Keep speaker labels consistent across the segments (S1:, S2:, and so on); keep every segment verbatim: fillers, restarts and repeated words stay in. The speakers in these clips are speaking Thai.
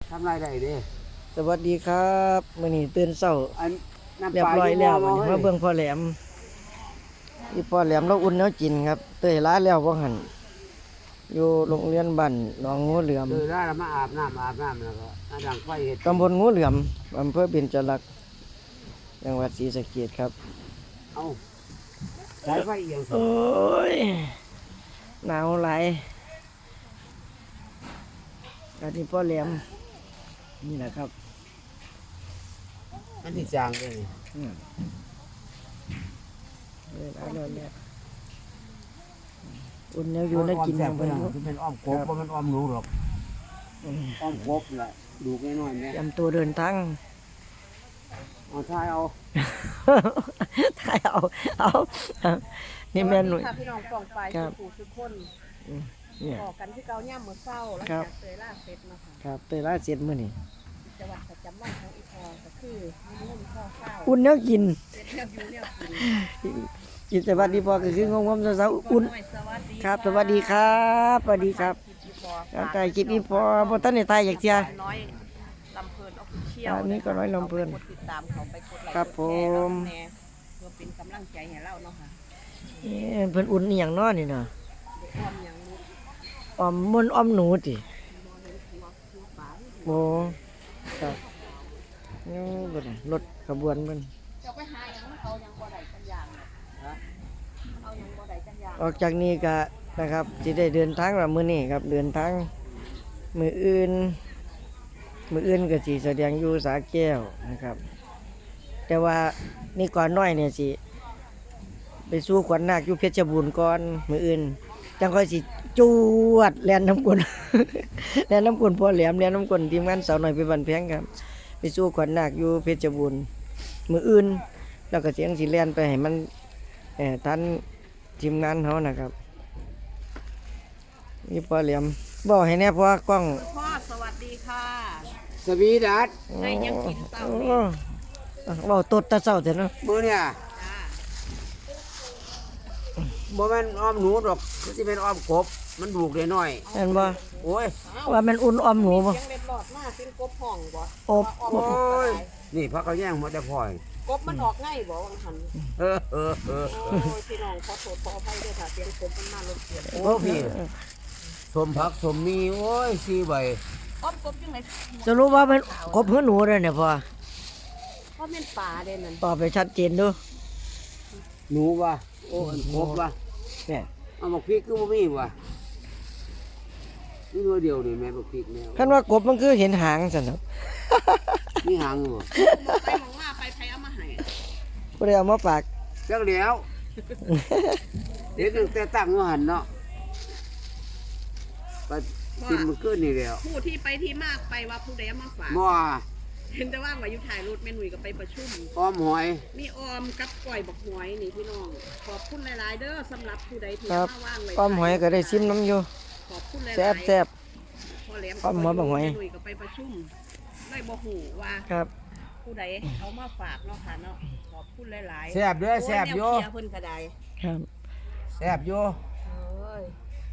S1: ทำไรได้ดิ
S2: สวัสดีครับมื้อนี้ตื่นเช้า
S1: อันน้ำ
S2: เรีย
S1: ป
S2: บ
S1: ลา
S2: ร้อยแล้ว
S1: ม
S2: วันนี้มาเบิ่งพ่อแหลมอีพ่อแหลมเราอุ่นแนวกินครับเตยล้าแล้วบ่หั่นอยู่โรงเรียนบ้านหนองงูเหลือม
S1: คือได้แล้วมาอาบน้ำอาบน้ำแล้วก็อาดังไฟเห็ด
S2: ตำบลงูเหลือมอำเภอเบญจรักษ์จังหวัดศรีสะเกษครับ
S1: เอาสายไฟเอียง
S2: โอ้ยหนาวหลายอันนี้พ่อแหลมนี่แหละครับ
S1: อันที่จางเลยนี่
S2: อืมเนี่ยอันนั้นเนี่ยอุ่นแนวอยู่แนวกิน
S1: แซ่
S2: อบ ย่าง
S1: ไป
S2: เพิ่น
S1: นะคือเป็นอ้อมกบเพราะมันอ้อมหนูหรอก
S2: อืม
S1: อ้อมกบแหละดูน้อยๆเนี่ย
S2: เตรียมตัวเดินทาง
S1: เอาท้ายเอา
S2: ถ่ายเอาเอานี่แม่หนุ่ย
S3: ค่ะพี่น้องปองไป
S2: ครับ
S3: สุขุทุกคน
S2: เนี่ย
S3: บอกกันที่เกาย่ามมื้อเช้าแล้ว
S2: ครับ
S3: จากเตยล่าเสร็จมาค่ะ
S2: ครับเตยล่าเสร็จมื้อนี้
S3: จังหวัดประจำวันของอีพอก็คือมีเงินข้าวเช้า
S2: อุ่นแนวกิน
S3: เสร็จแล้วอยู่เนี่ยกิน
S2: กินแต่วัดดีพอก็คืองงๆเช้าๆอุ่น
S3: น้อยสวัสดี
S2: ครับ สวัสดีครับสวัสดีครับ
S3: อีพอ
S2: ครับถ่ายคลิปนี้พอบ่ทันได้ถ่ายอยากเที่ย
S3: น้อยลำเพลินออฟฟิเชียล
S2: อันนี้ก็น้อยลำเพลิน
S3: กดติดตามเขาไปกดไลค์
S2: ครับ
S3: กดแชร์
S2: ผม
S3: แน่เพื่อเป็นกำลังใจให้เราเนาะค่ะ
S2: เอ๊ะเพิ่นอุ่นอีหยังน้อนี่เนาะ
S3: เด็กอ้อมอย่างมุก
S2: ออมมนต์ออมหนูติ
S3: นอนในหัวหัวป๋า
S2: โอ้ครับนี่บ่ได้รถขบวนเพิ่น
S3: จะไปหาอย่างนั้นเอาอย่างบ่ได้กันอย่างเนี่ยฮะเอาอย่างบ่ได้กันอย่าง
S2: ออกจากนี้ก็นะครับสิได้เดินทางว่ามื้อนี้ครับเดินทางมื้ออื่นมื้ออื่นก็สิแสดงอยู่สาแก้วนะครับ แต่ว่านี่ก่อนน้อยเนี่ยสิไปสู้ขวัญนาคอยู่เพชรบูรณ์ก่อนมื้ออื่นจังค่อยสิจวดแล่นน้ำกล แล่นน้ำกลพ่อแหลมแล่นน้ำกลทีมงานสาวน้อยไปบันแพงครับ ไปสู้ขวัญนาคอยู่เพชรบูรณ์มื้ออื่นแล้วก็เสียงสิแล่นไปให้มันเอ่อทันทีมงานเฮานะครับนี่พ่อแหลมบอกให้แน่พ่อกล้อง
S3: พ่อสวัสดีค่ะ
S1: สวีดัส
S3: ได้ยังกินเต้า
S2: โอ้
S3: นี่
S2: เว้าตดแตะเช้าแต่เนาะ
S1: มือเนี่ย
S3: จ้า
S1: บ่แม่นอ้อมหนูหรอกคือที่เป็นอ้อมกบมันดูกได้น้อย
S2: เห็นบ่
S1: โอ้ย
S2: ว่ามันอุ่นออมหนูบ่
S3: เสียงเล็ดหลอดมากเป็นกบห้องบ่
S2: อบ
S3: ว่า
S2: อบ
S3: ออก
S1: โอ้ย
S3: ได้
S1: นี่พักเขาแย่งหมดแต่พลอย
S3: กบมันออกง่ายบ่วังหัน
S1: เออเออเออ
S3: โอ้ยพี่น้องขอโทษขออภัยด้วยค่ะเสียงกบมันมารบกวน
S1: โอ้พี่สมผักสมมีโอ้ยสี่ใบ
S3: อ้อมกบจังได๋
S2: สรุปว่ามันกบหือหนูเลยเนี่ยพ่อ
S3: เพราะแม่นป่าเด้นั่น
S2: ตอบไปชัดเจนดู
S1: หนูว่ะโอ้ยกบว่ะ
S2: เนี่ย
S1: เอาบักพริกคือบ่มีว่ะนี่ตัวเดียวนี่แม่บักพริกแม่
S2: คันว่ากบมันคือเห็นหางซั่นเนาะ
S1: มีหางอยู่บ่
S3: ไปหมองมาไปไผเอามาให้
S2: บ่ได้เอามาฝาก
S1: จักเดียวเด็กตั้งแต่ตั้งว่าหันเนาะไปกินมันขึ้นนี่แล้ว
S3: ผู้ที่ไปที่มากไปว่าผู้ใดเอามาฝาก
S1: หม้อ
S3: เห็นแต่ว่าว่าอยู่ถ่ายรถแม่หนุ่ยก็ไปประชุม
S1: อ้อมหอย
S3: มีออมกับก้อยบักหอยนี่พี่น้อง ขอบคุณหลายๆเด้อสำหรับผู้ใดที่
S2: ครับ
S3: มาว่างไว้
S2: อ้อมหอยก็ได้ซิมน้ำอยู่
S3: ขอบคุณหลายๆ
S2: แซ่บแซ่บ
S3: พ่อแหลม
S2: อ้อมหอยบักหอย
S3: แม่หนุ่ยก็ไปประชุมได้บ่ฮู้ว่า
S2: ครับ
S3: ผู้ใดเอามาฝากเนาะค่ะเนาะขอบคุณหลายๆ
S1: แซ่บเด้อแซ่บอยู่
S3: โแนวเคลียร์เพิ่นก็ได้
S2: ครับ
S1: แซ่บอยู่
S3: เอ้ย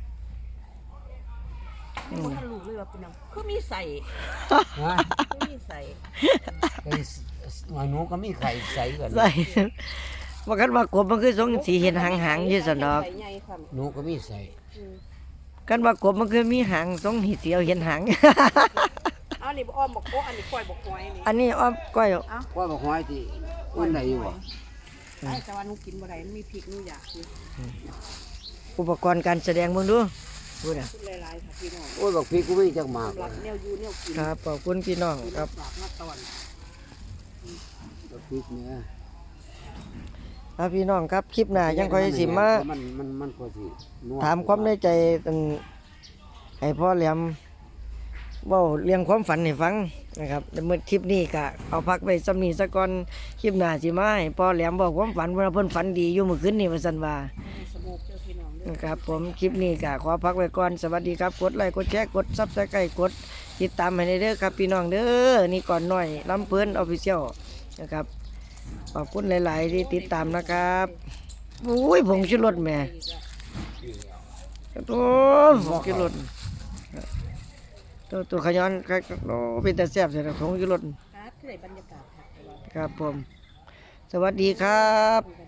S3: นี่บ่ทันรู้เลยว่าเป็นหยังคือมีใส่
S1: ฮะ
S3: คือมีใส่
S1: ไอ้หอยหนูก็มีไข่ใส่กัน
S2: ใส่ว่ากันว่ากบมันคือทรงสีเห็นหางๆอยู่ซั่นดอก
S3: ใส่ใหญ่ค่ะ
S1: หนูก็มีใส่
S3: อืม
S2: กันว่ากบมันคือมีหางทรงหีเสียวเห็นหาง
S3: เอานี่บ่อ้อมบักโกะอันนี้ก้อยบักหอยนี่
S2: อันนี้อ้อมก้อย
S3: เอา
S1: ว่าบักหอยที่อุ่นได้อยู่บ่
S3: ไอ้แต่ว่าหนูกินบ่ได้มันมีพริกหนูอยากกิน
S2: อุปกรณ์การแสดงเบิ่งดูพูดอ่ะ
S3: พูดหลายๆค่ะพี่น้อง
S1: โอ้ยบักพริกกูมีจักหมาก
S3: สำหรับแนวอยู่แนวกิน
S2: ครับขอบคุณพี่น้องครับ
S3: ฝากมาตอน
S1: บักพริกเนี่ย
S2: ครับพี่น้องครับคลิปหน้ายังค่อยสิมา
S1: มันมันมันก็สินัว
S2: ถามความในใจอันให้พ่อแหลมเว้าเรื่องความฝันให้ฟังนะครับแล้วเมื่อคลิปนี้ก็เอาพักไว้ซ้ำนี้ซะก่อนคลิปหน้าสิมาให้พ่อแหลมบอกความฝันว่าเพิ่นฝันดีอยู่เมื่อคืนนี้ว่าซั่นว่า
S3: สมุกเจ้าพี่น้องเด้อ
S2: นะครับผมคลิปนี้ก็ขอพักไว้ก่อนสวัสดีครับกดไลค์กดแชร์กด Subscribe กดติดตามให้ได้เด้อครับพี่น้องเด้อนี่ก่อนหน่อยลำเพิ่น Official นะครับขอบคุณหลาย ๆ ที่ติดตามนะครับอุ้ยผงชูรสแหม่โอ้ผงชูรสโตตัวตัวขย้อนครับโอ้เป็นแต่แซ่บใส่ถุงอยู่รถ
S3: ครับคือได้บรรยากาศค่ะ
S2: ครับผม สวัสดีครับ